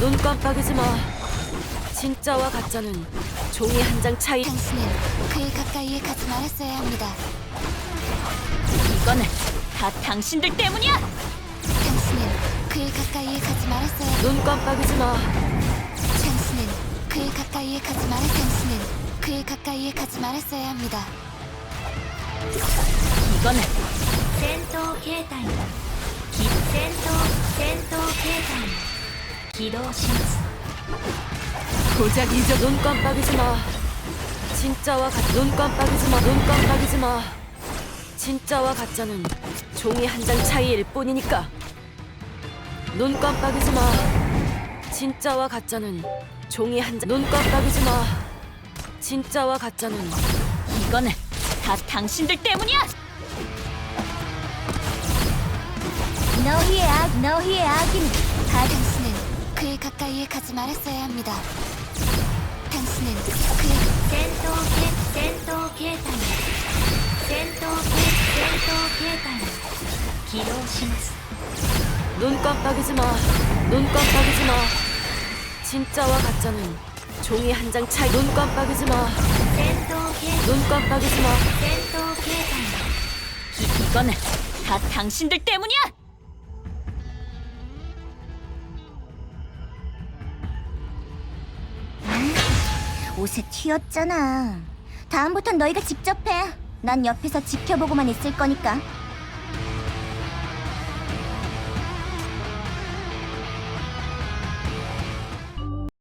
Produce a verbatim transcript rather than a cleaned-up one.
눈 깜빡이지 마. 진짜와 가짜는 종이 한 장 차이. 당신은 그의 가까이에 가지 말았어야 합니다. 이거는 다 당신들 때문이야! 당신은 그의 가까이에 가지 말았어야. 눈 깜빡이지 마. 당신은 그의 가까이에 가지 말았. 당신은 그의 가까이에 가지 말았어야 합니다. 이거는 戦闘形態き戦闘戦闘形態起動します 고작 잊어. 눈 깜빡이지 마. 진짜와 가. 눈 깜빡이지 마. 눈 깜빡이지 마. 진짜와 가짜는 종이 한 장 차이일 뿐이니까. 눈 깜빡이지 마. 진짜와 가짜는 종이 한 장. 눈 깜빡이지 마. 진짜와 가짜는. 이거는 다 당신들 때문이야! 너희의 악, 너희의 악인. 다 당신은 그의 가까이에 가지 말았어야 합니다. 당신은 그의 戦闘形戦闘形態戦闘形戦闘形態起動します 눈 깜빡이지 마. 눈 깜빡이지 마. 진짜와 가짜는 종이 한 장 차이. 눈 깜빡이지 마. 戦闘形 눈 깜빡이지 마. 戦闘形態 이, 이거는 다 당신들 때문이야! 옷에 튀었잖아. 다음부턴 너희가 직접 해. 난 옆에서 지켜보고만 있을 거니까.